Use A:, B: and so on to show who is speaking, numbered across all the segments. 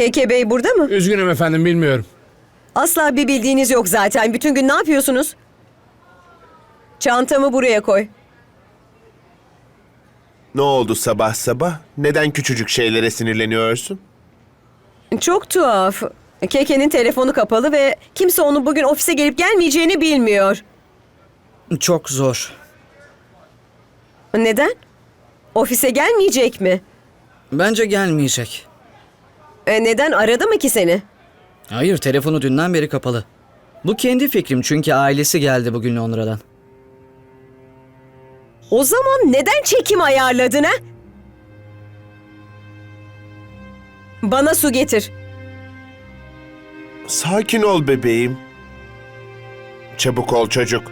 A: Keke Bey burada mı?
B: Üzgünüm efendim, bilmiyorum.
A: Asla bir bildiğiniz yok zaten. Bütün gün ne yapıyorsunuz? Çantamı buraya koy.
C: Ne oldu sabah sabah? Neden küçücük şeylere sinirleniyorsun?
A: Çok tuhaf. Keke'nin telefonu kapalı ve kimse onun bugün ofise gelip gelmeyeceğini bilmiyor.
D: Çok zor.
A: Neden? Ofise gelmeyecek mi?
D: Bence gelmeyecek.
A: Neden aradı mı ki seni?
D: Hayır, telefonu dünden beri kapalı. Bu kendi fikrim çünkü ailesi geldi bugün Londra'dan.
A: O zaman neden çekim ayarladın ha? Bana su getir.
C: Sakin ol bebeğim. Çabuk ol çocuk.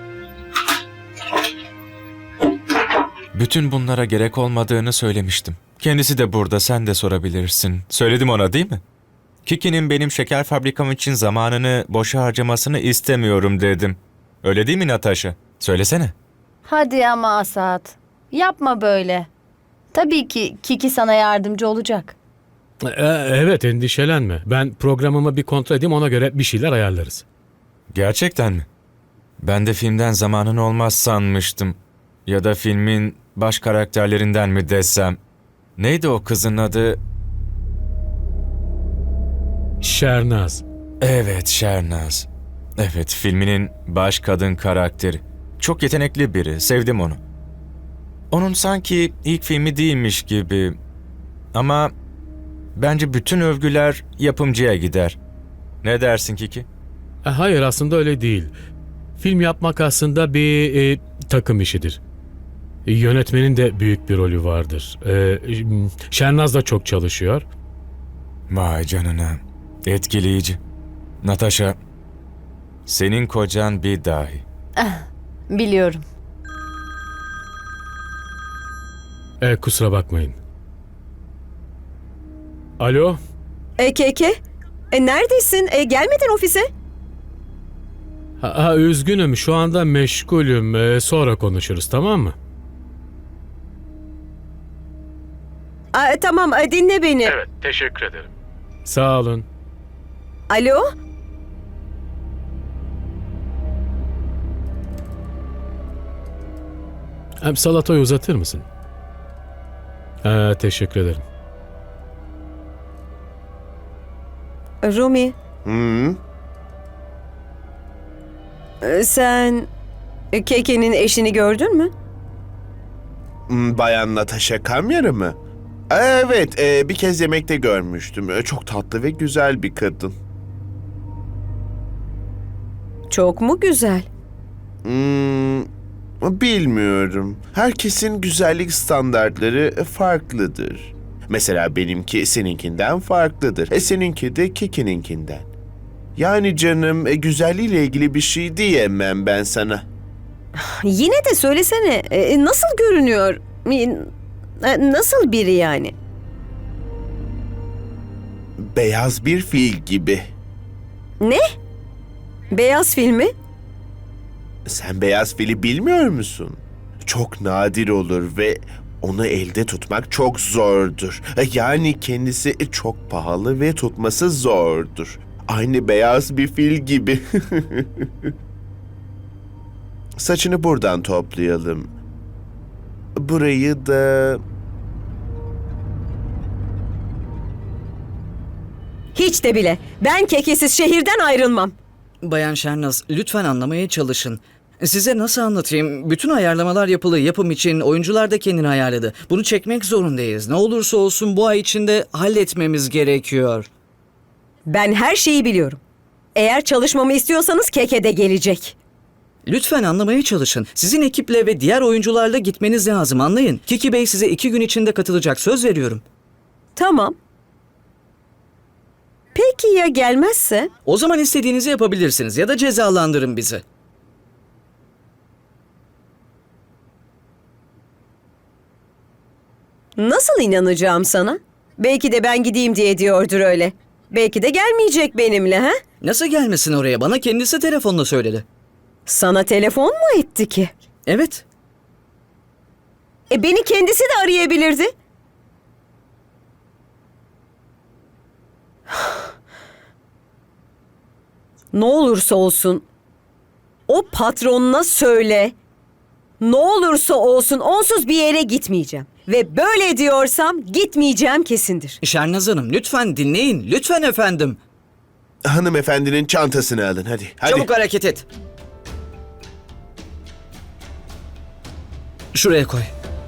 E: Bütün bunlara gerek olmadığını söylemiştim. Kendisi de burada, sen de sorabilirsin. Söyledim ona, değil mi? Kiki'nin benim şeker fabrikam için zamanını boşa harcamasını istemiyorum dedim. Öyle değil mi Natasha? Söylesene.
F: Hadi ama Asat. Yapma böyle. Tabii ki Kiki sana yardımcı olacak.
B: Evet, endişelenme. Ben programımı bir kontrol edeyim, ona göre bir şeyler ayarlarız.
E: Gerçekten mi? Ben de filmden zamanın olmaz sanmıştım. Ya da filmin baş karakterlerinden mi desem. Neydi o kızın adı?
B: Şernaz.
E: Evet, Şernaz. Evet, filminin baş kadın karakteri. Çok yetenekli biri, sevdim onu. Onun sanki ilk filmi değilmiş gibi. Ama bence bütün övgüler yapımcıya gider. Ne dersin Kiki?
B: Hayır, aslında öyle değil. Film yapmak aslında bir takım işidir. Yönetmenin de büyük bir rolü vardır. Şernaz da çok çalışıyor.
E: Vay canına. Etkileyici. Natasha, senin kocan bir dahi.
F: Biliyorum.
B: Kusura bakmayın. Alo?
A: Keke, neredesin? Gelmedin ofise.
B: Üzgünüm, şu anda meşgulüm. Sonra konuşuruz, tamam mı?
A: Tamam, dinle beni.
B: Evet, teşekkür ederim. Sağ olun.
A: Alo?
B: Salatayı uzatır mısın? Teşekkür ederim.
A: Rumi,
C: Hı?
A: sen Keke'nin eşini gördün mü?
C: Bayan Natasha Kamyarı mı? Evet, bir kez yemekte görmüştüm. Çok tatlı ve güzel bir kadın.
A: Çok mu güzel?
C: Bilmiyorum. Herkesin güzellik standartları farklıdır. Mesela benimki seninkinden farklıdır. Seninki de Kiki'ninkinden. Yani canım, güzelliğiyle ilgili bir şey diyemem ben sana.
A: Yine de söylesene, nasıl görünüyor? Nasıl biri yani?
C: Beyaz bir fil gibi.
A: Ne? Beyaz filmi?
C: Sen beyaz fili bilmiyor musun? Çok nadir olur ve onu elde tutmak çok zordur. Yani kendisi çok pahalı ve tutması zordur. Aynı beyaz bir fil gibi. Saçını buradan toplayalım. Burayı da...
A: Hiç de bile. Ben Kekesiz şehirden ayrılmam.
D: Bayan Şernaz, lütfen anlamaya çalışın. Size nasıl anlatayım? Bütün ayarlamalar yapılı. Yapım için oyuncular da kendini ayarladı. Bunu çekmek zorundayız. Ne olursa olsun bu ay içinde halletmemiz gerekiyor.
A: Ben her şeyi biliyorum. Eğer çalışmamı istiyorsanız Keke de gelecek.
D: Lütfen anlamaya çalışın. Sizin ekiple ve diğer oyuncularla gitmeniz lazım, anlayın. Kiki Bey size 2 gün içinde katılacak, söz veriyorum.
A: Tamam. Peki ya gelmezse?
D: O zaman istediğinizi yapabilirsiniz ya da cezalandırın bizi.
A: Nasıl inanacağım sana? Belki de ben gideyim diye diyordur öyle. Belki de gelmeyecek benimle ha?
D: Nasıl gelmesin oraya? Bana kendisi telefonla söyledi.
A: Sana telefon mu etti ki?
D: Evet.
A: Beni kendisi de arayabilirdi. Ne olursa olsun o patronuna söyle. Ne olursa olsun onsuz bir yere gitmeyeceğim. Ve böyle diyorsam gitmeyeceğim kesindir.
D: Şernaz Hanım lütfen dinleyin. Lütfen efendim.
C: Hanımefendinin çantasını alın hadi. Hadi.
D: Çabuk hareket et. Şuraya koy.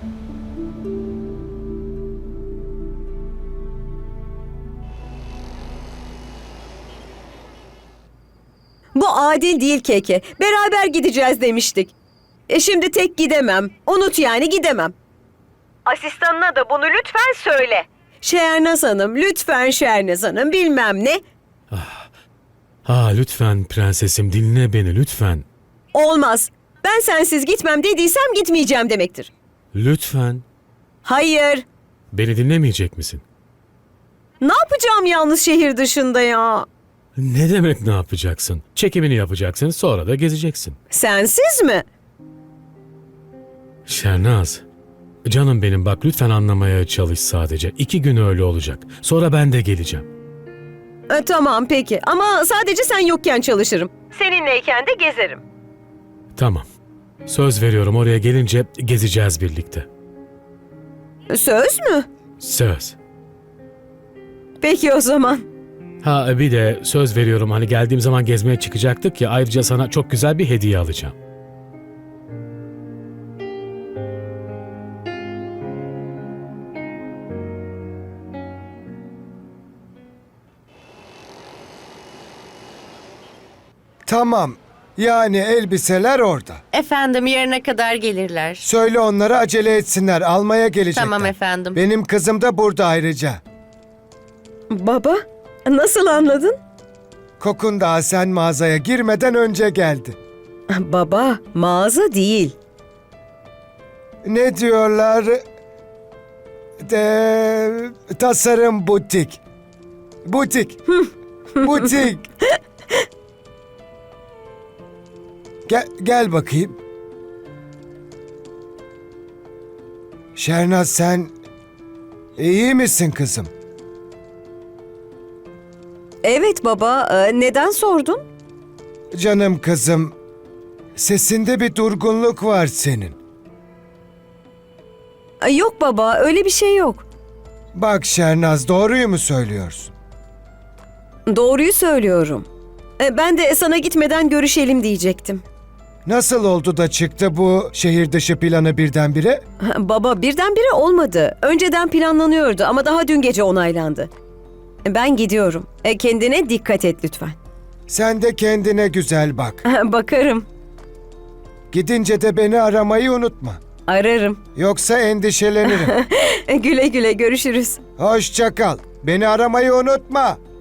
A: Bu adil değil Keke. Beraber gideceğiz demiştik. Şimdi tek gidemem. Unut yani gidemem. Asistanına da bunu lütfen söyle. Şernaz Hanım, lütfen Şernaz Hanım bilmem ne.
B: Lütfen prensesim dinle beni lütfen.
A: Olmaz. Ben sensiz gitmem dediysem gitmeyeceğim demektir.
B: Lütfen.
A: Hayır.
B: Beni dinlemeyecek misin?
A: Ne yapacağım yalnız şehir dışında ya?
B: Ne demek ne yapacaksın? Çekimini yapacaksın sonra da gezeceksin.
A: Sensiz mi?
B: Şernaz. Canım benim bak lütfen anlamaya çalış sadece. 2 gün öyle olacak. Sonra ben de geleceğim.
A: Tamam peki ama sadece sen yokken çalışırım. Seninleyken de gezerim.
B: Tamam. Söz veriyorum oraya gelince gezeceğiz birlikte.
A: Söz mü?
B: Söz.
A: Peki o zaman.
B: Bir de söz veriyorum hani geldiğim zaman gezmeye çıkacaktık ya ayrıca sana çok güzel bir hediye alacağım.
G: Tamam. Yani elbiseler orada.
H: Efendim yarına kadar gelirler.
G: Söyle onlara acele etsinler. Almaya gelecekler.
H: Tamam efendim.
G: Benim kızım da burada ayrıca.
A: Baba, nasıl anladın?
G: Kokun daha sen mağazaya girmeden önce geldi.
A: Baba, mağaza değil.
G: Ne diyorlar? Tasarım butik. Butik. Butik. Gel bakayım. Şernaz sen iyi misin kızım?
A: Evet baba, neden sordun?
G: Canım kızım, sesinde bir durgunluk var senin.
A: Yok baba, öyle bir şey yok.
G: Bak Şernaz, doğruyu mu söylüyorsun?
A: Doğruyu söylüyorum. Ben de sana gitmeden görüşelim diyecektim.
G: Nasıl oldu da çıktı bu şehir dışı planı birdenbire?
A: Baba, birdenbire olmadı. Önceden planlanıyordu ama daha dün gece onaylandı. Ben gidiyorum. Kendine dikkat et lütfen.
G: Sen de kendine güzel bak.
A: Bakarım,
G: Gidince de beni aramayı unutma.
A: ararım.
G: Yoksa endişelenirim.
A: Güle güle görüşürüz.
G: Hoşça kal. Beni aramayı unutma.